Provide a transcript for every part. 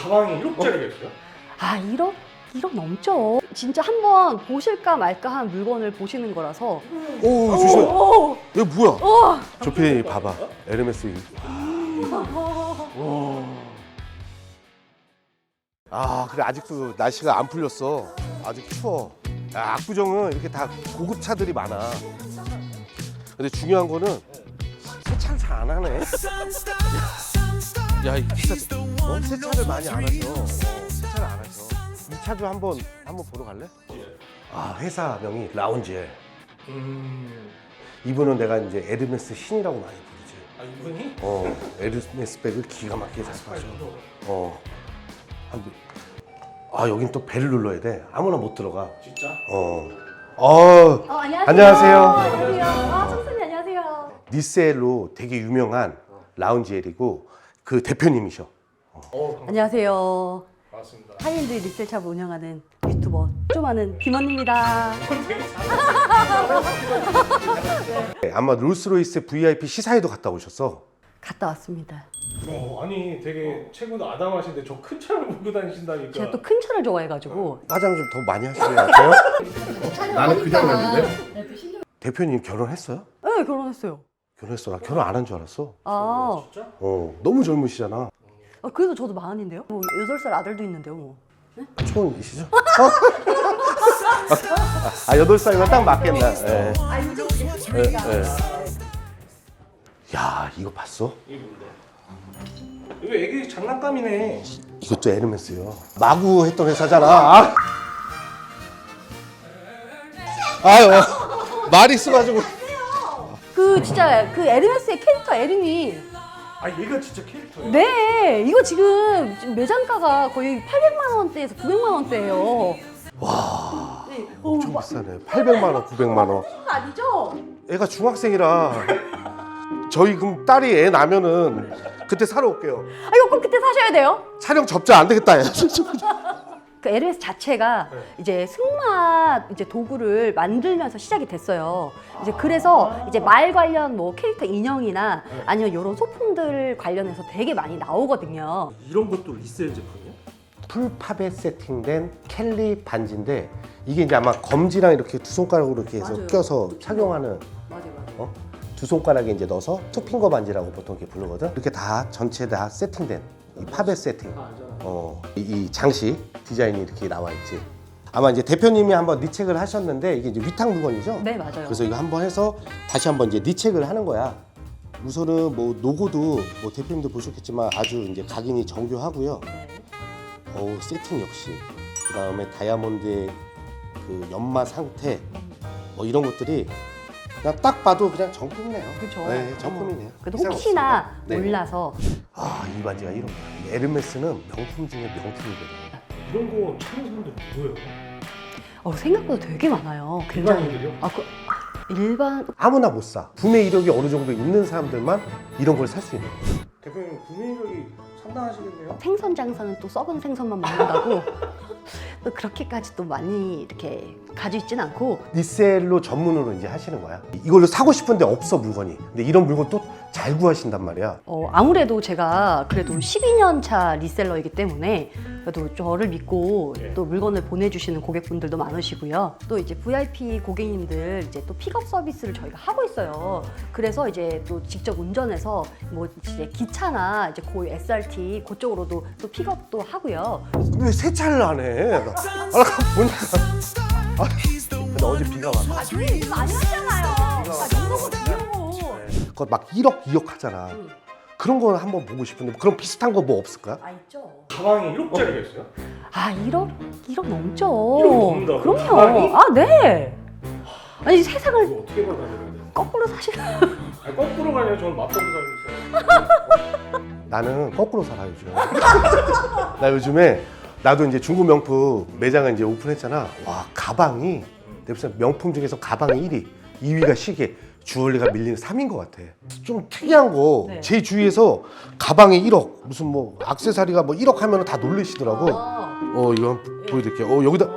가방이 1억짜리가 있어요? 아 1억 넘죠. 진짜 한번 보실까 말까 한 물건을 보시는 거라서. 오, 조심해. 오, 이거 뭐야? 오. 조피 봐봐. 에르메스. 아, 그래 아직도 날씨가 안 풀렸어. 아직 추워. 야, 압구정은 이렇게 다 고급 차들이 많아. 근데 중요한 거는 세차를 잘 안 하네. 야, 이 기사 세차를 많이 안 하셔. 세차를 안 하셔. 이 차도 한번 보러 갈래? 아, 회사명이 라운지엘. 이분은 내가 이제 에르메스 신이라고 많이 부르지. 아 이분이? 에르메스 백을 기가 막히게 잘 빠져. 아, 여긴 또 벨을 눌러야 돼. 아무나 못 들어가. 진짜? 안녕하세요. 안녕하세요. 아, 청순이 안녕하세요. 니셀로 되게 유명한 라운지엘이고 그 대표님이셔. 안녕하세요. 반갑습니다. 하이엔드 리셀샵을 운영하는 유튜버 좀 아는 김원입니다. 네, 아마 롤스로이스 VIP 시사회도 갔다 오셨어. 갔다 왔습니다. 네. 아니 되게 최고도 아담하신데 저 큰 차를 몰고 다니신다니까. 제가 또 큰 차를 좋아해가지고. 화장 좀 더 많이 하시는 것 같아요. 나는 그냥 갔는데. 대표님 결혼했어요? 네, 결혼했어요. 결혼했어. 나 결혼 안 한 줄 알았어. 아, 진짜? 너무 젊으시잖아. 그래도 저도 40인데요? 뭐 8살 아들도 있는데요, 뭐. 초혼이시죠? 8살이면 딱 맞겠나. 예. 아, 요즘 야, 이거 봤어? 이게 뭔데? 이거 애기 장난감이네. 이것도 에르메스요. 마구 했던 회사잖아. 아유, 말이 있어가지고. 진짜 그 에르메스의 캐릭터 에르미. 아 얘가 진짜 캐릭터야? 네, 이거 지금 매장가가 거의 800만 원대에서 900만 원대예요. 와, 네. 엄청 비싸네. 800만 원, 900만 원. 그거 아니죠? 애가 중학생이라 저희 그럼 딸이 애 나면은 그때 사러 올게요. 아, 이거 꼭 그때 사셔야 돼요. 촬영 접자 안 되겠다. 그 에르메스 자체가 이제 승마 이제 도구를 만들면서 시작이 됐어요. 이제 그래서 이제 말 관련 뭐 캐릭터 인형이나 아니면 이런 소품들 관련해서 되게 많이 나오거든요. 이런 것도 리셀 제품이야? 풀팝에 세팅된 켈리 반지인데 이게 이제 아마 검지랑 이렇게 두 손가락으로 이렇게 해서 맞아요. 껴서 착용하는 맞아요. 두 손가락에 이제 넣어서 투핑거 반지라고 보통 이렇게 부르거든. 이렇게 다 전체 다 세팅된 이 팝에 세팅. 이 장식 디자인이 이렇게 나와 있지. 아마 이제 대표님이 한번 리책을 하셨는데 이게 이제 위탁 물건이죠. 네, 맞아요. 그래서 이거 한번 해서 다시 한번 이제 리책을 하는 거야. 우선은 뭐 로고도 뭐 대표님도 보셨겠지만 아주 이제 각인이 정교하고요. 네. 세팅 역시. 그 다음에 다이아몬드의 그 연마 상태 뭐 이런 것들이 그냥 딱 봐도 그냥 정품이네요. 그렇죠. 네, 정품이네요. 그래도 이상 혹시나 없습니다. 네. 몰라서 이 반지가 이런 거야. 에르메스는 명품 중에 명품이거든. 이런 거 찾는 사람들 누구예요? 생각보다 되게 많아요. 일반인들이요? 일반 아무나 못 사. 구매 이력이 어느 정도 있는 사람들만 이런 걸 살 수 있는 거야. 대표님 구매력이 상당하시겠네요? 생선 장사는 또 썩은 생선만 먹는다고 또 그렇게까지 또 많이 이렇게 가지고 있진 않고. 리셀로 전문으로 이제 하시는 거야. 이걸로 사고 싶은데 없어 물건이. 근데 이런 물건 또 잘 구하신단 말이야. 아무래도 제가 그래도 12년 차 리셀러이기 때문에 그래도 저를 믿고 또 물건을 보내주시는 고객분들도 많으시고요. 또 이제 VIP 고객님들 이제 또 픽업 서비스를 저희가 하고 있어요. 그래서 이제 또 직접 운전해서 뭐 이제 기차나 이제 고유 SRT 그쪽으로도 또 픽업도 하고요. 왜 세차를 안 해? 나 보니까. 근데 어제 비가 왔어. 저희 이거 많이 하잖아요. 이러고 비우고. 그거 막 1억, 2억 하잖아. 그런 거 한번 보고 싶은데 그런 비슷한 거 뭐 없을까? 있죠. 가방이 1억짜리가 있어요? 1억 넘죠. 1억 넘는다고? 그럼요. 가방이? 네. 아니 세상을 이거 어떻게 벌어야 되는데? 거꾸로 사시는. 아니 거꾸로가 아니라 저는 맞벌이 살고 있어요. 나는 거꾸로 살아 요즘. 나 요즘에 나도 이제 중고 명품 매장을 이제 오픈했잖아. 와, 가방이 내 무슨 명품 중에서 가방이 1위, 2위가 시계, 주얼리가 밀리는 3위인 것 같아. 좀 특이한 거, 네. 제 주위에서 가방이 1억, 무슨 뭐 액세서리가 뭐 1억 하면 다 놀리시더라고. 이거 한번 보여드릴게요. 여기다,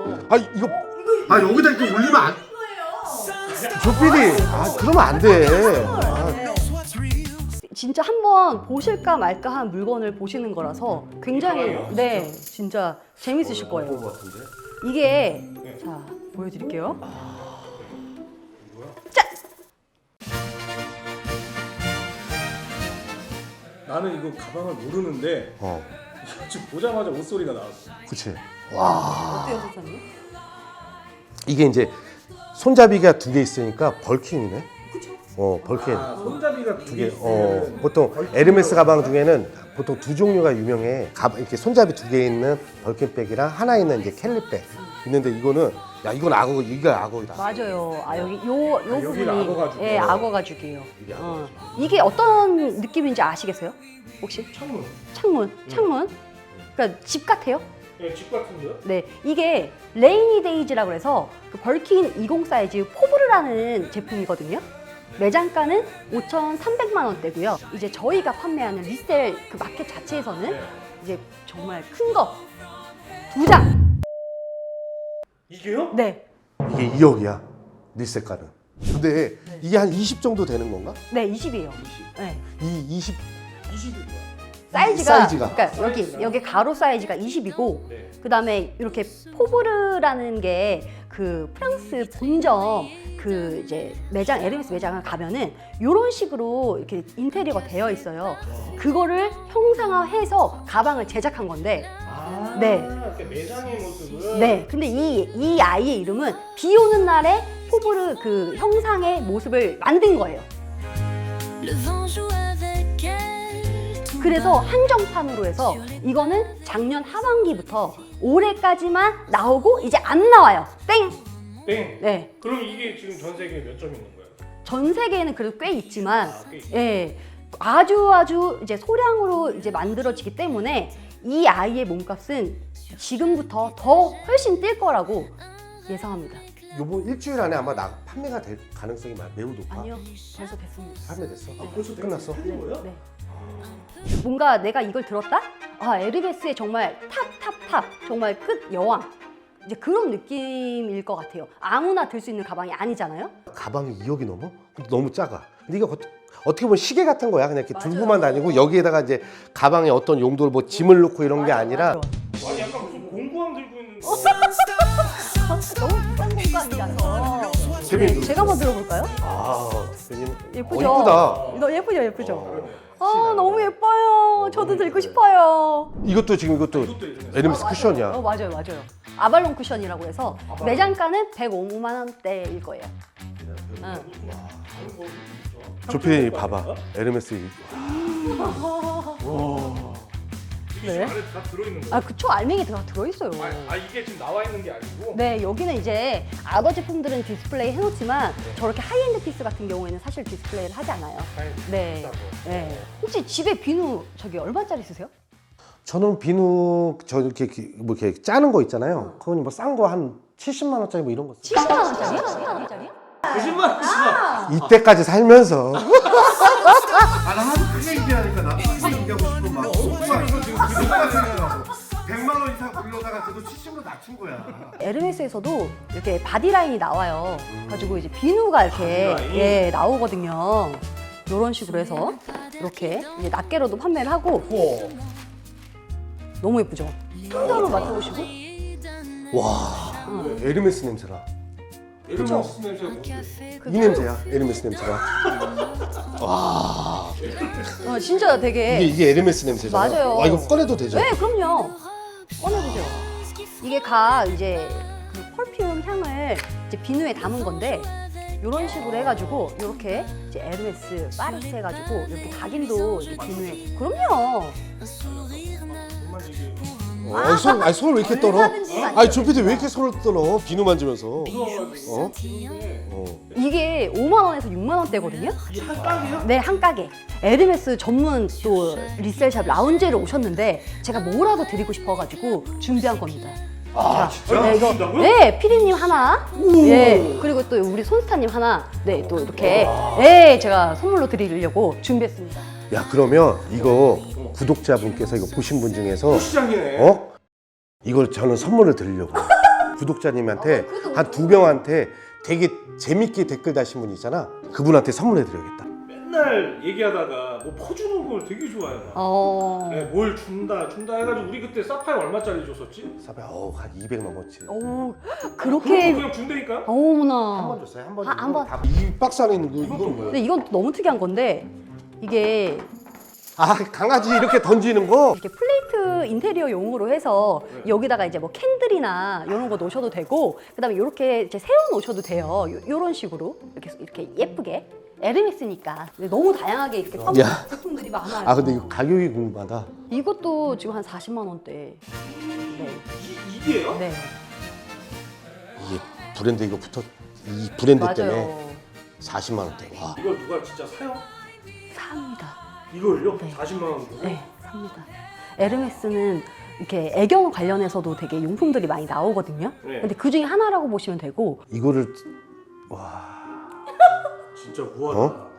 여기다 이렇게 올리면 안. 조피디, 그러면 안 돼. 진짜 한번 보실까 말까 한 물건을 보시는 거라서 굉장히 가방이요? 네 진짜 재밌으실 거예요. 것 같은데? 이게 네. 자 보여드릴게요. 뭐야? 짠! 나는 이거 가방을 모르는데 지금 보자마자 옷소리가 나왔어. 그치. 어때요, 소장님? 이게 이제 손잡이가 두 개 있으니까 벌킨이네. 벌킨. 아, 손잡이가 두 개 두 개. 있으면 보통 에르메스 가방 중에는 보통 두 종류가 유명해. 이렇게 손잡이 두 개 있는 벌킨백이랑 하나 있는 이제 캘리백 있는데 이거는 야 이건 악어, 이거 악어이다. 맞아요. 아 여기 요 여기가 부분이 악어 가죽이요? 예, 악어 가죽이에요. 이게 악어 가죽. 이게 어떤 느낌인지 아시겠어요? 혹시? 창문. 창문. 그러니까 집 같아요. 예, 집 같은데요? 네, 이게 레이니 데이즈라고 해서 그 벌킨 20 사이즈 포브르라는 제품이거든요. 매장가는 5,300만 원대고요. 이제 저희가 판매하는 리셀 그 마켓 자체에서는 네. 이제 정말 큰 거 2장. 이게요? 네, 이게 2억이야. 리셀가는. 근데 이게 한 20 정도 되는 건가? 네 20이에요. 네. 이 20. 20이 뭐야? 사이즈가 그러니까 사이즈가? 여기 가로 사이즈가 20이고 네. 그다음에 이렇게 포브르라는 게 그 프랑스 본점 그 이제 매장 에르메스 매장을 가면은 이런 식으로 이렇게 인테리어가 되어 있어요. 그거를 형상화해서 가방을 제작한 건데 아, 네. 이렇게 매장의 모습을. 네. 근데 이 아이의 이름은 비 오는 날에 포브르 그 형상의 모습을 만든 거예요. Le vent joue avec elle. tout 그래서 bas. 한정판으로 해서 이거는 작년 하반기부터 올해까지만 나오고 이제 안 나와요. 땡! 땡. 네. 그럼 이게 지금 전 세계에 몇 점 있는 거예요? 전 세계에는 그래도 꽤 있지만 아, 꽤 있어요? 예. 아주 이제 소량으로 이제 만들어지기 때문에 이 아이의 몸값은 지금부터 더 훨씬 뛸 거라고 예상합니다. 요번 일주일 안에 아마 판매가 될 가능성이 매우 높아. 아니요. 벌써 됐습니다. 판매됐어. 벌써 끝났어. 팔린 거예요? 네. 뭔가 내가 이걸 들었다? 아, 에르메스의 정말 탑 정말 끝 여왕. 이제 그런 느낌일 것 같아요. 아무나 들 수 있는 가방이 아니잖아요. 가방이 2억이 넘어? 근데 너무 작아. 근데 이거 어떻게 보면 시계 같은 거야. 그냥 이렇게 맞아요. 들고만 다니고 여기에다가 이제 가방에 어떤 용도를 뭐 짐을 넣고 이런 게 아니라 아니 약간 무슨 공구함 들고 있는 거. 너무 비싼 공간이라서. 재밌는 제가 한번 들어볼까요? 대표님 예쁘죠? 이쁘다. 너 예쁘죠? 그러네. 아, 너무 예뻐요. 저도 들고 싶어요. 이것도 지금 이것도 에르메스 쿠션이야. 맞아요. 아발론 쿠션이라고 해서 매장가는 105만 원대일 거예요. 응. 조피디 봐봐. 에르메스 이게 네. 안에 다 들어있는 거예요? 아, 그쵸. 알맹이 다 들어있어요. 이게 지금 나와 있는 게 아니고. 네, 여기는 이제 아더 제품들은 디스플레이 해놓지만 저렇게 하이엔드 피스 같은 경우에는 사실 디스플레이를 하지 않아요. 네. 비싸고. 네. 혹시 집에 비누 저기 얼마짜리 쓰세요? 저는 비누 저 이렇게 뭐 이렇게 짜는 거 있잖아요. 그건 뭐 싼 거 한 70만 원짜리 뭐 이런 거. 70만 원짜리요? 70만 원짜리? 거짓말 하지 마. 이때까지 살면서 나 하도 크게 얘기하니까 나도 크게 얘기하고 싶고 막 오빠 이거 지금 그거까지 생각하고 100만 원 이상 불러다가 그래도 70으로 낮춘 거야. 에르메스에서도 이렇게 바디라인이 나와요. 가지고 이제 비누가 이렇게 바디라인? 예, 나오거든요. 이런 식으로 해서 이렇게 이제 낱개로도 판매를 하고 너무 예쁘죠? 한번 맡아보시고. 와 에르메스 냄새나. 에르메스 냄새가 뭔데? 이 냄새야. 에르메스 냄새가. 진짜 되게 이게 에르메스 냄새잖아. 맞아요. 와 이거 꺼내도 되죠? 네, 그럼요. 꺼내보세요. 이게 각 이제 그 펄퓸 향을 이제 비누에 담은 건데 이런 식으로 해가지고 이렇게 이제 에르메스 파리스 해가지고 이렇게 각인도 이렇게 비누에. 그럼요. 손을 왜 이렇게 떨어? 아니 조피디 왜 이렇게 손을 떨어? 비누 만지면서. 어? 이게 5만 원에서 6만 원대거든요. 한 깡이요? 네, 한 가게. 에르메스 전문 또 리셀샵 라운지를 오셨는데 제가 뭐라도 드리고 싶어가지고 준비한 겁니다. 진짜? 네, 이거 주신다고요? 네, 피디님 하나, 예, 그리고 또 우리 손스타님 하나, 네, 또 이렇게, 네, 제가 선물로 드리려고 준비했습니다. 야 그러면 이거 구독자분께서 이거 보신 분 중에서 시장이네. 이걸 저는 선물을 드리려고 구독자님한테 한 2명한테 되게 재밌게 댓글 다신 분 있잖아. 그분한테 선물해 드려야겠다. 맨날 얘기하다가 뭐 퍼주는 걸 되게 좋아해요. 네, 뭘 준다 해가지고 우리 그때 사파이어 얼마짜리 줬었지? 사배 한 200 넘었지. 오, 그거 그렇게. 그냥 준다니까? 어머나. 한 번 줬어요. 한 번. 한 번. 이 박스 안에 있는 거 이건 뭐야? 근데 이건 또 너무 특이한 건데 이게 아 강아지 이렇게 던지는 거? 이렇게 플레이트 인테리어용으로 해서 여기다가 이제 뭐 캔들이나 이런 거 놓으셔도 되고 그다음에 이렇게 이제 세워 놓으셔도 돼요. 요런 식으로 이렇게 예쁘게 에르메스니까 너무 다양하게 이렇게 야. 제품들이 많아요. 아 근데 이거 가격이 궁금하다. 이것도 지금 한 40만 원대. 네. 이게요? 네. 이게 브랜드 이거 붙어 이 브랜드 때문에 맞아요. 40만 원대. 와. 이걸 누가 진짜 사요? 삽니다. 이걸요? 네. 40만 원 주고? 네, 삽니다. 에르메스는 이렇게 애견 관련해서도 되게 용품들이 많이 나오거든요. 네. 근데 그 중에 하나라고 보시면 되고 이거를 진짜 우아하다. 어?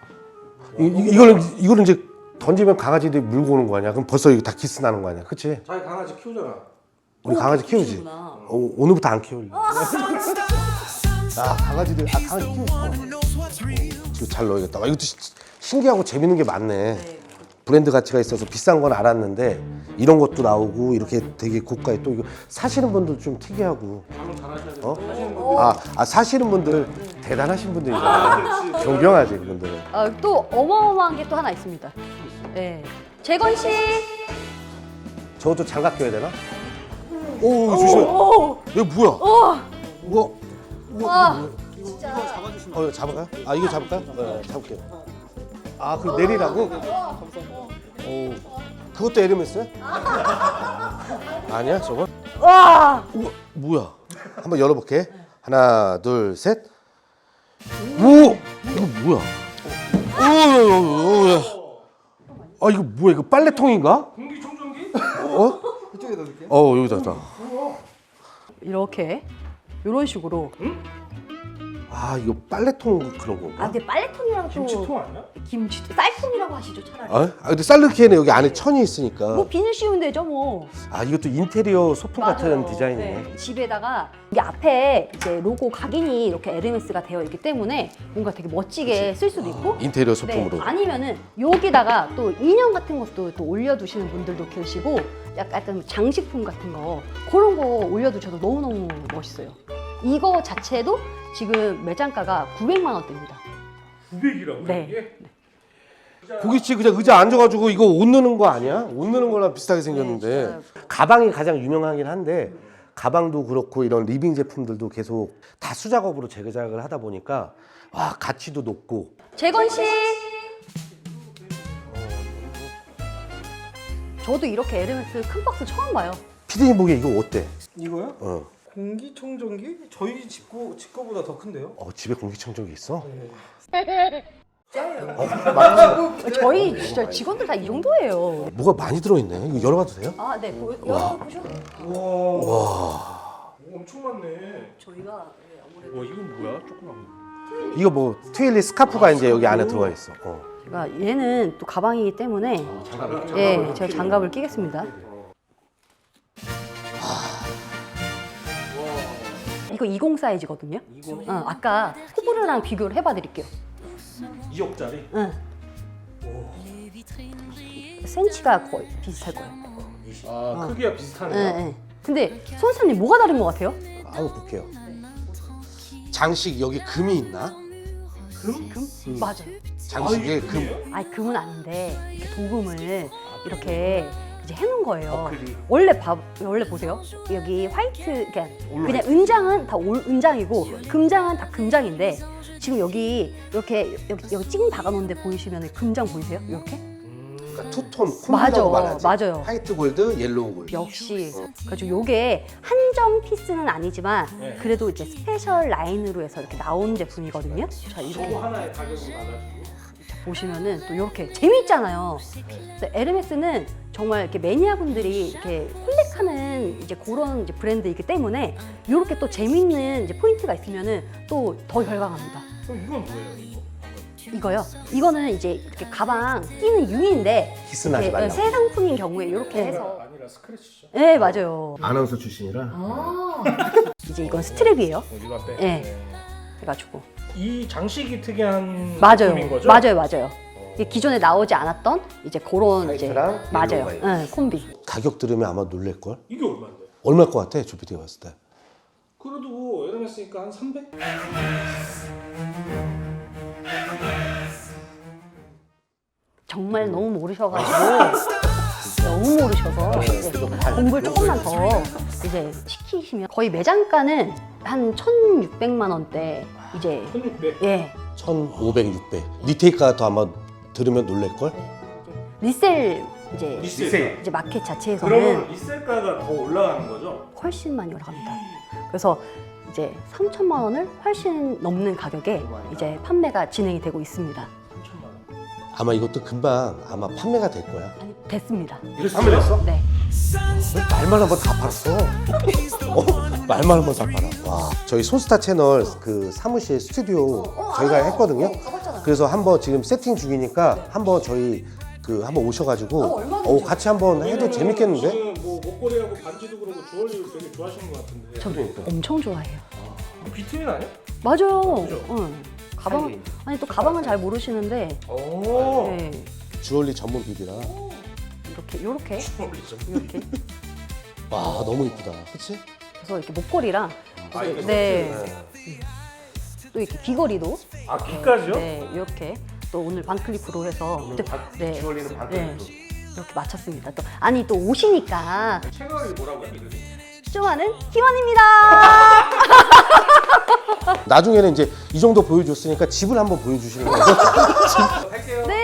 이거는 이제 던지면 강아지들이 물고 오는 거 아니야? 그럼 벌써 이거 다 기스 나는 거 아니야? 그치? 자기 강아지 키우잖아. 우리 강아지 키우지? 키우는구나. 오늘부터 안 키울래. 강아지 키우고 싶어. 이거 잘 넣어야겠다. 와, 이것도 신기하고 재밌는 게 많네. 브랜드 가치가 있어서 비싼 건 알았는데 이런 것도 나오고 이렇게 되게 고가에 또 이거 사시는 분들 좀 특이하고. 방금 잘하셔야 돼. 어? 사시는 분들 대단하신 분들이잖아. 존경하지 그분들은. 또 어마어마한 게 또 하나 있습니다. 네. 재건 씨. 저것도 장갑 껴야 되나? 오 조심해. 이거 뭐야? 뭐? 와. 이거 잡을까요? 이거 잡을까요? 네, 잡을게요. 그 내리라고? 그것도 에르메스야? 아니야 저거? 와. 우와 뭐야? 한번 열어볼게. 하나 둘 셋. 오 이거 뭐야? 오 이거 뭐야? 이거 빨래통인가? 공기청정기? 이쪽에 넣을게. 여기다. 이렇게 이런 식으로. 이거 빨래통 그런 건가? 근데 빨래통이라고 또 김치통 아니야? 김치통 쌀통이라고 하시죠 차라리. 근데 쌀르키에는 여기 안에 천이 있으니까. 뭐 비닐 씌우면 되죠 뭐. 이것도 인테리어 소품 같은 맞아요. 디자인이네. 네. 집에다가 이게 앞에 이제 로고 각인이 이렇게 에르메스가 되어 있기 때문에 뭔가 되게 멋지게 쓸 수도 있고. 인테리어 네. 소품으로. 아니면은 여기다가 또 인형 같은 것도 또 올려두시는 분들도 계시고 약간 장식품 같은 거 그런 거 올려두셔도 너무너무 멋있어요. 이거 자체도 지금 매장가가 900만 원대입니다. 900이라고 네. 이게? 고깃집 그냥 의자 앉아가지고 이거 옷 넣는 거 아니야? 옷 넣는 거랑 비슷하게 생겼는데 네, 가방이 가장 유명하긴 한데 가방도 그렇고 이런 리빙 제품들도 계속 다 수작업으로 재제작을 하다 보니까 가치도 높고. 재건 씨. 저도 이렇게 에르메스 큰 박스 처음 봐요. 피디님 보기에 이거 어때? 이거요? 공기청정기? 저희 집 거보다 더 큰데요? 집에 공기청정기 있어? 저희 진짜 직원들 다 이 정도예요. 뭐가 많이 들어있네. 이거 열어봐도 돼요? 네. 열어보셔. 오, 엄청 많네. 저희가 아무래도 와 이건 뭐야? 조그만 거. 이거 뭐 트윌리 스카프가 이제 여기 안에 들어가 있어. 제가 얘는 또 가방이기 때문에 제가 장갑을 끼겠습니다. 이거 20 사이즈거든요. 아까 호불호랑 비교를 해봐 드릴게요. 2억짜리? 응. 센치가 거의 비슷할 거예요. 크기가 비슷하네요. 네. 근데 손사님 뭐가 다른 것 같아요? 한번 볼게요. 장식 여기 금이 있나? 금? 맞아요. 장식에 금. 금은 아닌데 이렇게 도금을 이렇게 이제 해놓은 거예요. 어클이. 원래 보세요. 여기 화이트 그냥 은장은 다 은장이고 금장은 다 금장인데 지금 여기 이렇게 여기 찡 박아놓은 데 보이시면 금장 보이세요? 이렇게? 그러니까 투톤 콤비라고 말하지. 맞아요. 화이트 골드, 옐로우 골드. 역시 그래서 요게 한정 피스는 아니지만 네. 그래도 이제 스페셜 라인으로 해서 이렇게 나온 제품이거든요. 자 이렇게 또 하나의 가격이 많아지고. 보시면은 또 이렇게 재미있잖아요. 그래서 에르메스는 정말 이렇게 매니아분들이 이렇게 콜렉하는 이제 그런 이제 브랜드이기 때문에 이렇게 또 재미있는 이제 포인트가 있으면은 또 더 열광합니다. 그럼 이건 뭐예요? 이거? 이거요. 이거는 이제 이렇게 가방 끼는 유인데 기스 나지 이렇게 말라고. 새 상품인 경우에 이렇게 해서 아니라 스크래치죠. 네 맞아요. 아나운서 출신이라. 이제 이건 스트랩이에요. 이거 앞에. 네. 해가지고 이 장식이 특이한 맞아요. 제품인 거죠? 맞아요. 이게 기존에 나오지 않았던 이제 그런 이제 화이트랑 맞아요. 옐로우가 네, 콤비. 가격 들으면 아마 놀랄 걸. 이게 얼마인데? 얼마일 것 같아, 주피디가 봤을 때? 그래도 에르메스니까 한 300? 정말 너무 모르셔가지고 너무 모르셔서 이제 공부를 조금만 더 이제 시키시면 거의 매장가는 한 1,600만 원대 이제 1600? 예 1,500, 600. 리테이크가 더 아마 들으면 놀랄 걸. 리셀 이제 리셀. 이제 마켓 자체에서는 그러면 리셀가가 더 올라가는 거죠? 훨씬 많이 올라갑니다. 그래서 이제 3천만 원을 훨씬 넘는 가격에 이제 판매가 진행이 되고 있습니다. 3천만 원. 아마 이것도 금방 아마 판매가 될 거야. 아니 됐습니다. 판매됐어? 네. 왜 말만 한번 다 팔았어? 말만 한번 다 팔아. 와, 저희 손스타 채널 그 사무실 스튜디오 저희가 했거든요. 그래서 한번 지금 세팅 중이니까 한번 저희 그 한번 오셔가지고 같이 한번 해도 재밌겠는데? 지금 뭐 목걸이하고 반지도 그러고 주얼리를 되게 좋아하시는 것 같은데. 저도 엄청 좋아해요. 비트민 아니야? 맞아요. 그죠? 응. 가방 아니 또 가방은 잘 모르시는데 오. 네. 주얼리 전문 비비라. 요렇게 이렇게 와, 너무 이쁘다. 그치? 그래서 이렇게 목걸이랑 아, 이게 네. 또 이렇게 귀걸이도 아, 귀까지요? 네, 이렇게 또 오늘 반클리프로 해서 네, 주얼리는 네, 반대로. 이렇게 맞췄습니다. 또 아니 또 옷이니까 채널이 뭐라고요? 이름이? 쇼하는 희원입니다. 나중에는 이제 이 정도 보여줬으니까 집을 한번 보여주시는 거죠? 할게요. 네.